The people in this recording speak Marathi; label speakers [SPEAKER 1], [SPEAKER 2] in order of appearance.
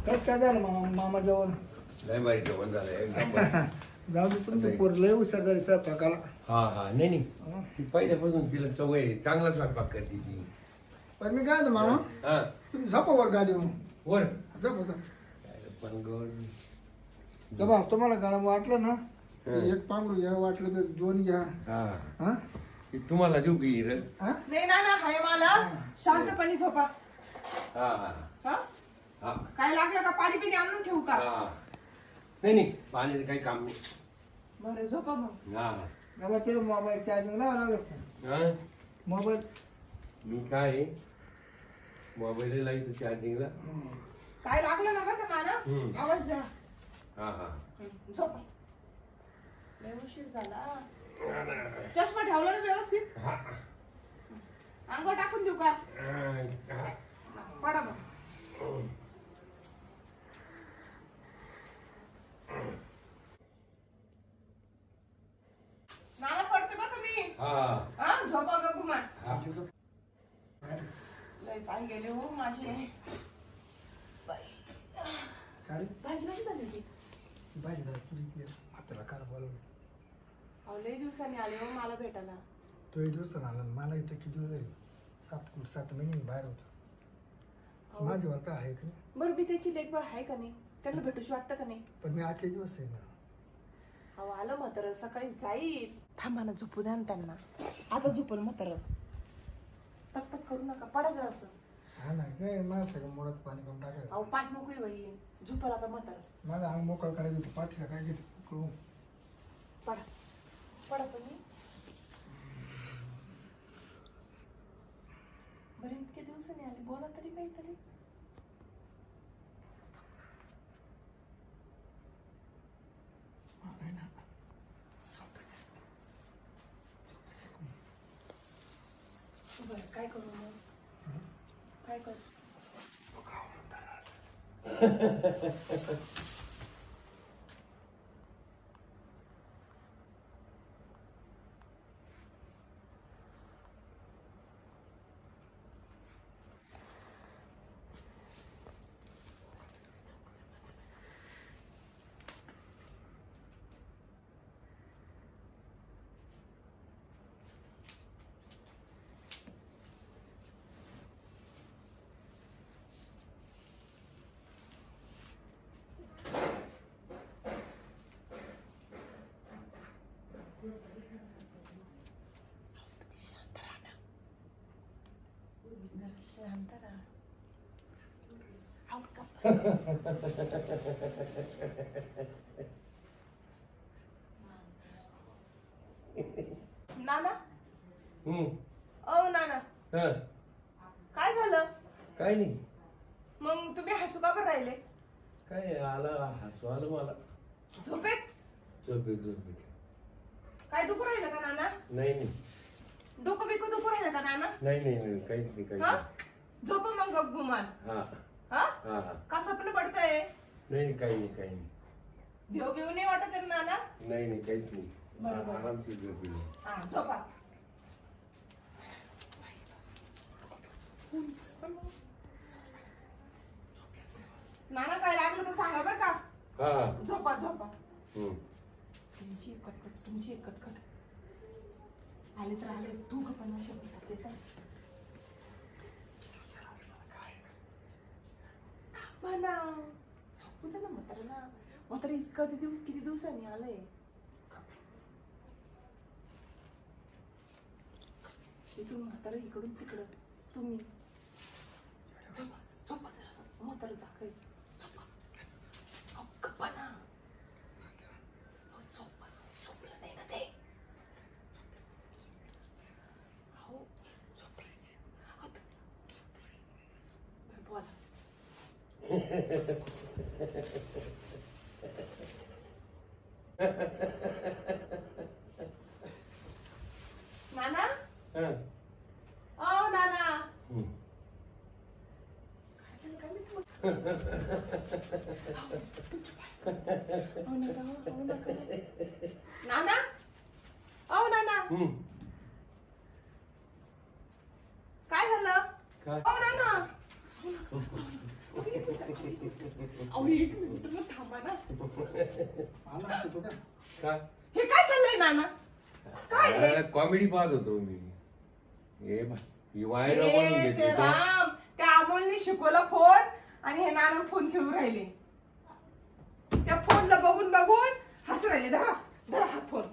[SPEAKER 1] कसं काय झालं मामा जवळ
[SPEAKER 2] लय भारी जेवण झालं एकदम.
[SPEAKER 1] जाऊ दे तुमचं पोर लय हुशार झाली स्वयंपाकाला.
[SPEAKER 2] हा हा नाही ती पहिल्यापासून तिला सवय आहे. चांगला स्वयंपाक करते ती.
[SPEAKER 1] पण मी काय म्हणतो मामा
[SPEAKER 2] हा
[SPEAKER 1] तुम्ही झोपा वर गादी
[SPEAKER 2] वर
[SPEAKER 1] झोपा
[SPEAKER 2] पण
[SPEAKER 1] झोपा तुम्हाला गरम वाटलं ना की एक पांघरू घ्या वाटलं तर दोन घ्या.
[SPEAKER 2] हा
[SPEAKER 1] हा
[SPEAKER 2] ती तुम्हाला देऊ की रस?
[SPEAKER 1] हा
[SPEAKER 3] नाही ना ना हाय मला शांतपणे झोपा.
[SPEAKER 2] हा हा
[SPEAKER 3] हा
[SPEAKER 2] हा
[SPEAKER 3] काय लागलं का पाणी पिणी आणून ठेवू का?
[SPEAKER 2] हा नाही पाण्याचं काही काम नाही.
[SPEAKER 3] बरं झोपा मग.
[SPEAKER 2] हा
[SPEAKER 1] बाबा तिला मोबाईल चार्जिंग लावा लागलं असतं.
[SPEAKER 2] हा
[SPEAKER 1] मोबाईल
[SPEAKER 2] मी काय मोबाईल लावतो चार्जिंगला.
[SPEAKER 3] काय लागलं ना बरं का
[SPEAKER 2] हम्म.
[SPEAKER 3] मला आवाज द्या.
[SPEAKER 2] हा हा
[SPEAKER 3] झोपा. लय उशीर झाला. चष्मा ठेवला ना व्यवस्थित?
[SPEAKER 2] हा
[SPEAKER 3] अंगावर टाकून देऊ का?
[SPEAKER 2] हा.
[SPEAKER 3] पडा मग. नाला पडते बरं का मी.
[SPEAKER 2] हा
[SPEAKER 3] हा झोपा का गुमान.
[SPEAKER 2] हा
[SPEAKER 3] लय पाय गेले हो माझे. बाई.
[SPEAKER 1] काय रे?
[SPEAKER 3] भाजी कशी झाली ती?
[SPEAKER 1] भाजी झाली तुझी हाताला कार बोलवलं.
[SPEAKER 3] अहो लय दिवसांनी आले हो मला भेटायला.
[SPEAKER 1] तो एक दिवस आला मला इथं किती दिवस झाले 7 महिने बाहेर होतो.
[SPEAKER 3] अहो,
[SPEAKER 1] माझी वर काय आहे का नाही
[SPEAKER 3] बरं मी त्याची लेखबळ आहे का नाही? त्यांना भेटूशी वाटतं का नाही?
[SPEAKER 1] पण मी आजचे दिवस आहे ना.
[SPEAKER 3] अहो आलं म्हातारं सकाळी जाईल. थांबा ना झोपू द्या ना त्यांना. आता झोपल म्हातारं. तक तक करू नका पडा जरा असं.
[SPEAKER 1] हा ना काय मला सगळं मोडाचं पाणी करून टाकायचं.
[SPEAKER 3] अहो पाठ मोकळी होईल. झोपल आता म्हातारं.
[SPEAKER 1] माझं अंग मोकळं करायचं होतं पाठीला काय घेते कळू.
[SPEAKER 3] पडा पडा तुम्ही. बरं इतके दिवसांनी आली बोला तरी काहीतरी.
[SPEAKER 1] नाही ना
[SPEAKER 3] बरं काय करू मग? काय करू? शांत राहा ना. जरा शांत राहा. आऊट का? नाना ओ नाना
[SPEAKER 2] हा
[SPEAKER 3] काय झालं?
[SPEAKER 2] काय नाही
[SPEAKER 3] मग तुम्ही हसू का बरं राहिले?
[SPEAKER 2] काय आला हसू आलं मला.
[SPEAKER 3] झोपेत
[SPEAKER 2] झोपेत
[SPEAKER 3] काय दुखू राहिलं का नाना?
[SPEAKER 2] नाही
[SPEAKER 3] डोकं बिकू दुखू राहिलं का नाना?
[SPEAKER 2] नाही काहीच नाही काहीच
[SPEAKER 3] हा
[SPEAKER 2] नाही.
[SPEAKER 3] झोप मग गुमान.
[SPEAKER 2] हा
[SPEAKER 3] हा
[SPEAKER 2] हा हा
[SPEAKER 3] का स्वप्न पडतंय?
[SPEAKER 2] नाही काही नाही
[SPEAKER 3] भिव भिव नाही वाटत आहे नाना?
[SPEAKER 2] नाही काहीच नाही.
[SPEAKER 3] बरोबर.
[SPEAKER 2] आरामची झोप येईल.
[SPEAKER 3] हा झोपा. नाना काय लागलं तर सांगा बरं का.
[SPEAKER 2] हा
[SPEAKER 3] झोपा झोपा.
[SPEAKER 2] हम्म.
[SPEAKER 3] तुमची एक कटकट आले तर आले. तू पण अशा बोलतात ते तर. म्हणा झोपू दे ना म्हाताऱ्याला. म्हातारा किती दिवसांनी आलंय. इथून म्हातारा इकडून तिकडं. तुम्ही झोपा झोपा जरा. म्हातारा झाकाय. झोपा. अहो, गप्पा ना. अहो, झोपा. झोपलं नाही ना ते. अहो, झोपायचं. अहो, बरं, बोला. नाना
[SPEAKER 2] हा.
[SPEAKER 3] ओ नाना
[SPEAKER 2] हम्म.
[SPEAKER 3] काय झालं काय माहिती मग? अहो, नका, अहो, नका. नाना ओ नाना
[SPEAKER 2] हम्म.
[SPEAKER 3] काय झालं?
[SPEAKER 2] काय
[SPEAKER 3] ओ नाना अहो, एक मिनिट ना थांबा ना.
[SPEAKER 1] आला असतो तो का
[SPEAKER 2] का
[SPEAKER 3] हे काय चाललंय नाना? काय हे?
[SPEAKER 2] कॉमेडी पाहत होतो मी. हे बा, ही वायर
[SPEAKER 3] हे
[SPEAKER 2] बनवून
[SPEAKER 3] ते
[SPEAKER 2] घेतली तो.
[SPEAKER 3] राम, त्या अमोलने शिकवला फोन आणि हे नाना फोन खेळून राहिले. त्या फोनला बघून बघून हसू राहिले. धरा धरा हा फोन.